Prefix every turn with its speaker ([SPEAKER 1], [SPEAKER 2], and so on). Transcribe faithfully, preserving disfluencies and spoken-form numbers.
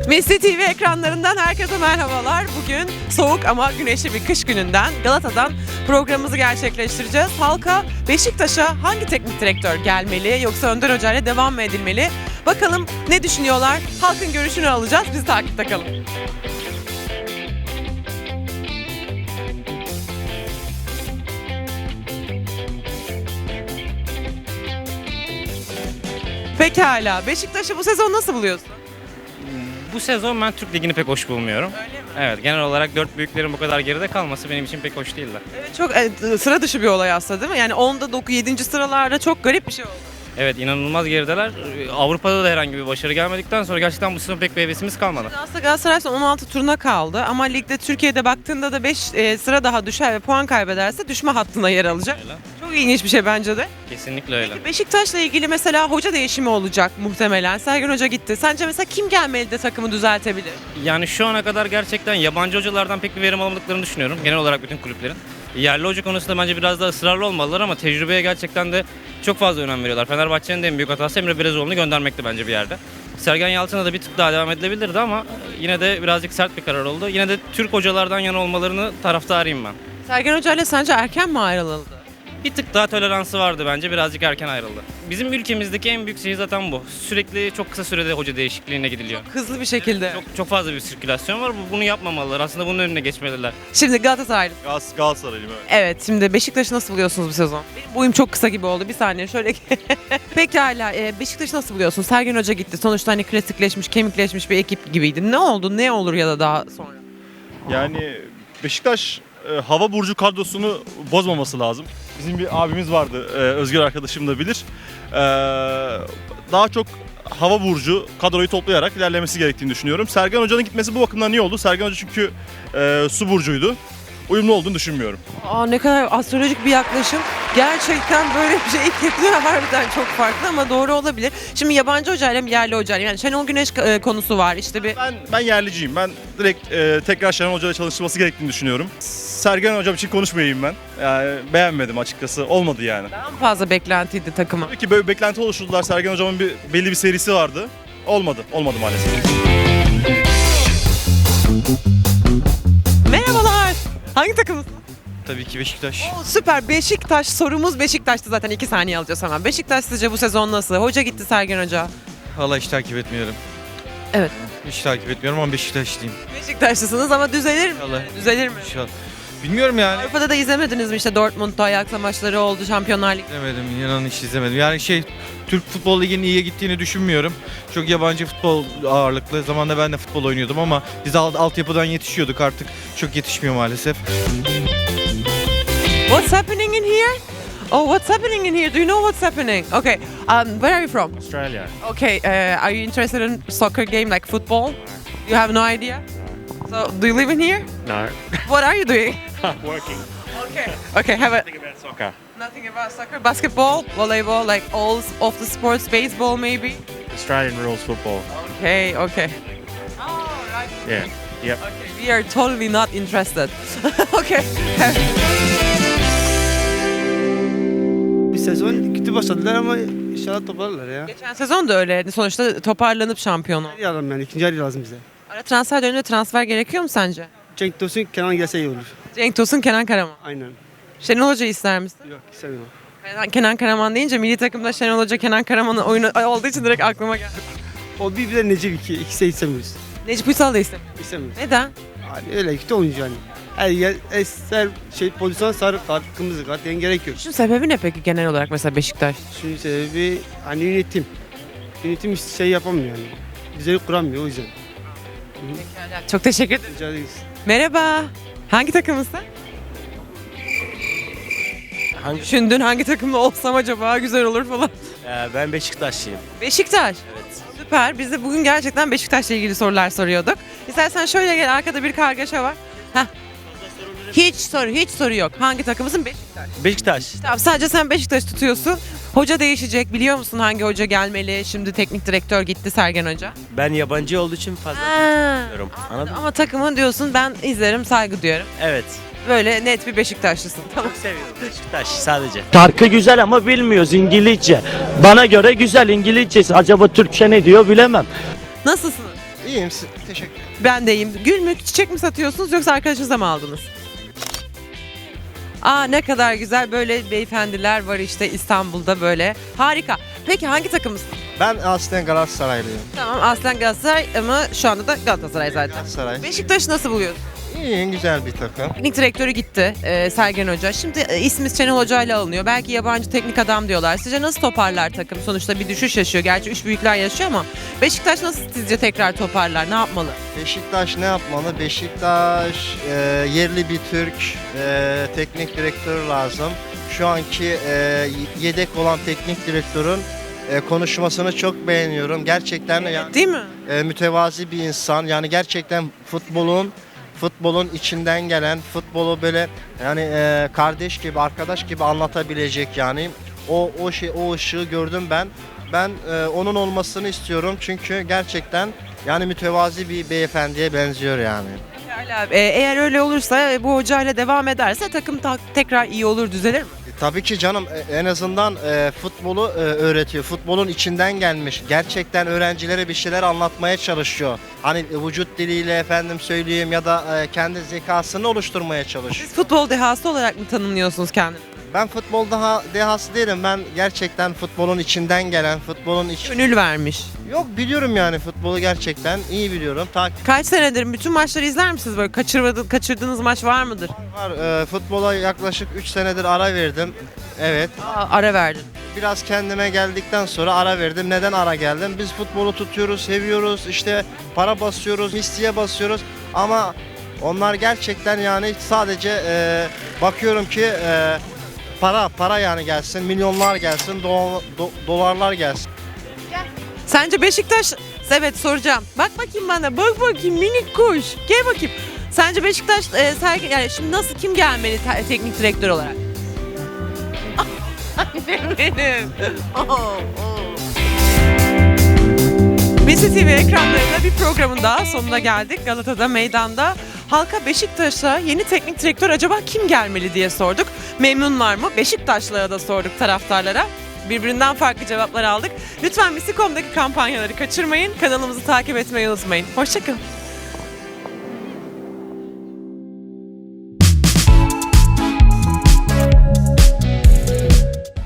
[SPEAKER 1] Messi T V ekranlarından herkese merhabalar. Bugün soğuk ama güneşli bir kış gününden Galata'dan programımızı gerçekleştireceğiz. Halka Beşiktaş'a hangi teknik direktör gelmeli yoksa Önder Hoca ile devam mı edilmeli? Bakalım ne düşünüyorlar? Halkın görüşünü alacağız. Biz takipte kalın. Pekala. Beşiktaş'ı bu sezon nasıl buluyorsun?
[SPEAKER 2] Bu sezon ben Türk Ligi'ni pek hoş bulmuyorum.
[SPEAKER 1] Öyle mi?
[SPEAKER 2] Evet, genel olarak dört büyüklerin bu kadar geride kalması benim için pek hoş değildi.
[SPEAKER 1] Evet, çok e, sıra dışı bir olay aslında değil mi? Yani onda dokuz yedinci sıralarda çok garip bir şey oldu.
[SPEAKER 2] Evet, inanılmaz gerideler. Avrupa'da da herhangi bir başarı gelmedikten sonra gerçekten bu sezon pek bir hevesimiz kalmadı.
[SPEAKER 1] Aslında Galatasaray son on altı turuna kaldı ama ligde Türkiye'de baktığında da beş e, sıra daha düşer ve puan kaybederse düşme hattına yer alacak.
[SPEAKER 2] Öyle.
[SPEAKER 1] Çok ilginç bir şey bence de.
[SPEAKER 2] Kesinlikle öyle.
[SPEAKER 1] Peki Beşiktaş'la ilgili mesela hoca değişimi olacak muhtemelen. Sergen Hoca gitti. Sence mesela kim gelmeli de takımı düzeltebilir?
[SPEAKER 2] Yani şu ana kadar gerçekten yabancı hocalardan pek bir verim alamadıklarını düşünüyorum. Genel olarak bütün kulüplerin. Yerli hoca konusunda bence biraz daha ısrarlı olmalılar ama tecrübeye gerçekten de çok fazla önem veriyorlar. Fenerbahçe'nin de en büyük hatası Emre Belezoğlu'nu göndermekti bence bir yerde. Sergen Yalçın'a da bir tık daha devam edilebilirdi ama yine de birazcık sert bir karar oldu. Yine de Türk hocalardan yana olmalarını taraftarıyım ben.
[SPEAKER 1] Sergen Hoca ile sence erken mi ayrılıldı?
[SPEAKER 2] Bir tık daha toleransı vardı bence. Birazcık erken ayrıldı. Bizim ülkemizdeki en büyük şey zaten bu. Sürekli çok kısa sürede hoca değişikliğine gidiliyor.
[SPEAKER 1] Hızlı bir şekilde.
[SPEAKER 2] Çok çok fazla bir sirkülasyon var. Bu- Bunu yapmamalılar. Aslında bunun önüne geçmeliler.
[SPEAKER 1] Şimdi Galatasaray.
[SPEAKER 3] Gal Galatasaraylıyım evet.
[SPEAKER 1] Evet, şimdi Beşiktaş'ı nasıl buluyorsunuz bu sezon? Benim boyum çok kısa gibi oldu. Bir saniye şöyle. Pekala, e, Beşiktaş'ı nasıl buluyorsun? Sergen Hoca gitti. Sonuçta hani klasikleşmiş, kemikleşmiş bir ekip gibiydi. Ne oldu? Ne olur ya da daha sonra?
[SPEAKER 3] Yani Beşiktaş e, hava burcu kadrosunu bozmaması lazım. Bizim bir abimiz vardı, e, Özgür arkadaşım da bilir. E, daha çok hava burcu kadroyu toplayarak ilerlemesi gerektiğini düşünüyorum. Sergen Hoca'nın gitmesi bu bakımdan iyi oldu. Sergen Hoca çünkü e, su burcuydu. Uyumlu olduğunu düşünmüyorum.
[SPEAKER 1] Aa, ne kadar astrolojik bir yaklaşım. Gerçekten böyle bir şey ilk yapılıyor. Harbiden çok farklı ama doğru olabilir. Şimdi yabancı hocayla mı yerli hocayla? Yani Şenol Güneş e, konusu var. İşte bir
[SPEAKER 3] Ben ben yerliciyim. Ben direkt e, tekrar Şenol Hoca'yla çalışılması gerektiğini düşünüyorum. Sergen Hocam için konuşmayayım ben. Yani beğenmedim açıkçası. Olmadı yani.
[SPEAKER 1] daha mı fazla beklentiydi takıma?
[SPEAKER 3] Tabii ki böyle bir beklenti oluşturdular. Sergen Hocam'ın bir belli bir serisi vardı. Olmadı. Olmadı maalesef.
[SPEAKER 1] Merhabalar. Hangi takımısın?
[SPEAKER 4] Tabii ki Beşiktaş.
[SPEAKER 1] Oo, süper. Beşiktaş sorumuz Beşiktaş'tı zaten. iki saniye alacağız hemen. Beşiktaş sizce bu sezon nasıl? Hoca gitti, Sergen Hoca.
[SPEAKER 4] Valla hiç takip etmiyorum.
[SPEAKER 1] Evet.
[SPEAKER 4] Hiç takip etmiyorum ama Beşiktaşlıyım.
[SPEAKER 1] Beşiktaşlısınız ama düzelir mi?
[SPEAKER 4] İnşallah.
[SPEAKER 1] Düzelir mi?
[SPEAKER 4] İnşallah. Bilmiyorum yani.
[SPEAKER 1] Avrupa'da da izlemediniz mi? İşte Dortmund'da ayakla maçları oldu, Şampiyonlar Ligi.
[SPEAKER 4] İzlemedim, inanın hiç izlemedim. Yani şey, Türk Futbol Ligi'nin iyiye gittiğini düşünmüyorum. Çok yabancı futbol ağırlıklı. Zamanında ben de futbol oynuyordum ama biz alt, altyapıdan yetişiyorduk, artık çok yetişmiyor maalesef.
[SPEAKER 1] What's happening in here? Oh, what's happening in here? Do you know what's happening? Okay. Um, where are you from?
[SPEAKER 5] Australia.
[SPEAKER 1] Okay. Uh, are you interested in soccer game like football? You have no idea. So, do you live in here?
[SPEAKER 5] No.
[SPEAKER 1] What are you doing?
[SPEAKER 5] Working.
[SPEAKER 1] Okay. Okay. Have a
[SPEAKER 5] Think about soccer.
[SPEAKER 1] nothing about soccer, basketball, volleyball, like all of the sports, baseball maybe.
[SPEAKER 5] Australian rules football.
[SPEAKER 1] Okay. Okay. Oh, right.
[SPEAKER 5] Yeah. Yep.
[SPEAKER 1] Okay. We are totally not interested. Okay.
[SPEAKER 6] Bir sezon kötü başladılar ama inşallah toparlarlar ya.
[SPEAKER 1] Geçen sezon da öyle. Sonuçta toparlanıp şampiyon oldu.
[SPEAKER 6] Bir adam yani ikinci yarı lazım bize.
[SPEAKER 1] Ara transfer döneminde transfer gerekiyor mu sence?
[SPEAKER 6] Cenk Tosun Kenan gelse iyi olur.
[SPEAKER 1] Cenk Tosun, Kenan Karaman.
[SPEAKER 6] Aynen.
[SPEAKER 1] Şenol Hoca ister misin?
[SPEAKER 6] Yok istemiyorum.
[SPEAKER 1] Kenan, Kenan Karaman deyince milli takımda Şenol Hoca, Kenan Karaman'ın oyunu olduğu için direkt aklıma geldi.
[SPEAKER 6] O bir bize Necip iki. İkisi de istemiyoruz.
[SPEAKER 1] Necip Uysal da istemiyor.
[SPEAKER 6] İstemiyoruz.
[SPEAKER 1] Neden?
[SPEAKER 6] Yani öyle kötü oyuncu yani. Her yer eser şey pozisyon sarı kart, kırmızı kart yani gerek yok.
[SPEAKER 1] Şunun sebebi ne peki genel olarak mesela Beşiktaş?
[SPEAKER 6] Şunun sebebi hani yönetim. Yönetim hiç şey yapamıyor yani. Düzeni kuramıyor o yüzden.
[SPEAKER 1] Çok teşekkür ederim.
[SPEAKER 6] Rica ederiz.
[SPEAKER 1] Merhaba. Hangi takımısın?
[SPEAKER 7] Hangi?
[SPEAKER 1] Düşündün hangi takımda olsam acaba güzel olur falan.
[SPEAKER 7] Ee, ben Beşiktaşlıyım.
[SPEAKER 1] Beşiktaş.
[SPEAKER 7] Evet.
[SPEAKER 1] Süper. Biz de bugün gerçekten Beşiktaş'la ilgili sorular soruyorduk. İstersen şöyle gel, arkada bir kargaşa var. Heh. Hiç soru, hiç soru yok. Hangi takımısın? Beşiktaş.
[SPEAKER 7] Beşiktaş.
[SPEAKER 1] Tamam, sadece sen Beşiktaş tutuyorsun. Hoca değişecek. Biliyor musun hangi hoca gelmeli? Şimdi teknik direktör gitti, Sergen Hoca.
[SPEAKER 7] Ben yabancı olduğu için fazla
[SPEAKER 1] Ha,
[SPEAKER 7] bilmiyorum. Anladın mı?
[SPEAKER 1] ama takımın diyorsun, ben izlerim, saygı duyarım.
[SPEAKER 7] Evet.
[SPEAKER 1] Böyle net bir Beşiktaşlısın. Tamam.
[SPEAKER 7] Çok seviyorum Beşiktaş sadece.
[SPEAKER 8] Şarkı güzel ama bilmiyoruz İngilizce. Bana göre güzel İngilizcesi. Acaba Türkçe ne diyor bilemem.
[SPEAKER 1] Nasılsınız?
[SPEAKER 9] İyiyim. Teşekkür ederim.
[SPEAKER 1] Ben de iyiyim. Gül mü, çiçek mi satıyorsunuz yoksa arkadaşınıza mı aldınız? Aa ne kadar güzel, böyle beyefendiler var işte İstanbul'da böyle. Harika. Peki hangi takımısın?
[SPEAKER 9] Ben aslen Galatasaraylıyım.
[SPEAKER 1] Tamam, aslen Galatasaray ama şu anda da Galatasaray zaten.
[SPEAKER 9] Galatasaray.
[SPEAKER 1] Beşiktaş'ı nasıl buluyorsun?
[SPEAKER 9] İyi, güzel bir takım.
[SPEAKER 1] Teknik direktörü gitti e, Sergen Hoca. Şimdi e, ismi Şenol Hoca ile alınıyor. Belki yabancı teknik adam diyorlar. Sizce nasıl toparlar takım? Sonuçta bir düşüş yaşıyor. Gerçi üç büyükler yaşıyor ama Beşiktaş nasıl sizce tekrar toparlar? Ne yapmalı?
[SPEAKER 9] Beşiktaş ne yapmalı? Beşiktaş e, yerli bir Türk e, teknik direktör lazım. Şu anki e, yedek olan teknik direktörün e, konuşmasını çok beğeniyorum. Gerçekten yani,
[SPEAKER 1] Değil mi?
[SPEAKER 9] e, mütevazi bir insan. Yani gerçekten futbolun futbolun içinden gelen, futbolu böyle yani e, kardeş gibi, arkadaş gibi anlatabilecek yani. O o şey o ışığı gördüm ben. Ben e, onun olmasını istiyorum çünkü gerçekten yani mütevazi bir beyefendiye benziyor yani.
[SPEAKER 1] Pekala. E, eğer öyle olursa e, bu hocayla devam ederse takım ta- tekrar iyi olur, düzelir mi?
[SPEAKER 9] E, tabii ki canım e, en azından e, futbolu e, öğretiyor. Futbolun içinden gelmiş. Gerçekten öğrencilere bir şeyler anlatmaya çalışıyor. Hani e, vücut diliyle efendim söyleyeyim ya da e, kendi zekasını oluşturmaya çalışıyor.
[SPEAKER 1] Siz futbol dehası olarak mı tanımlıyorsunuz kendinizi?
[SPEAKER 9] Ben futbol daha dehası değilim. Ben gerçekten futbolun içinden gelen, futbolun iç...
[SPEAKER 1] Gönül vermiş.
[SPEAKER 9] Yok biliyorum yani futbolu gerçekten iyi biliyorum. Takip
[SPEAKER 1] Kaç senedir bütün maçları izler misiniz böyle? Kaçırmadı, kaçırdığınız maç var mıdır?
[SPEAKER 9] var. E, futbola yaklaşık üç senedir ara verdim. Evet.
[SPEAKER 1] Aa, ara verdin.
[SPEAKER 9] Biraz kendime geldikten sonra ara verdim. Neden ara geldim? Biz futbolu tutuyoruz, seviyoruz. İşte para basıyoruz, misliye basıyoruz. Ama onlar gerçekten yani sadece e, bakıyorum ki e, para para yani gelsin, milyonlar gelsin, do- do- dolarlar gelsin.
[SPEAKER 1] Sence Beşiktaş... Evet soracağım. Bak bakayım bana. Bak bakayım minik kuş. Gel bakayım. Sence Beşiktaş e, Sergen, yani şimdi nasıl, kim gelmeli te- teknik direktör olarak? Annem benim. Oh, oh. B C T V ekranlarında bir programın daha sonuna geldik. Galata'da meydanda halka Beşiktaş'a yeni teknik direktör acaba kim gelmeli diye sorduk. Memnunlar mı? Beşiktaşlılara da sorduk, taraftarlara. Birbirinden farklı cevaplar aldık. Lütfen Misi nokta com'daki kampanyaları kaçırmayın. Kanalımızı takip etmeyi unutmayın. Hoşçakalın.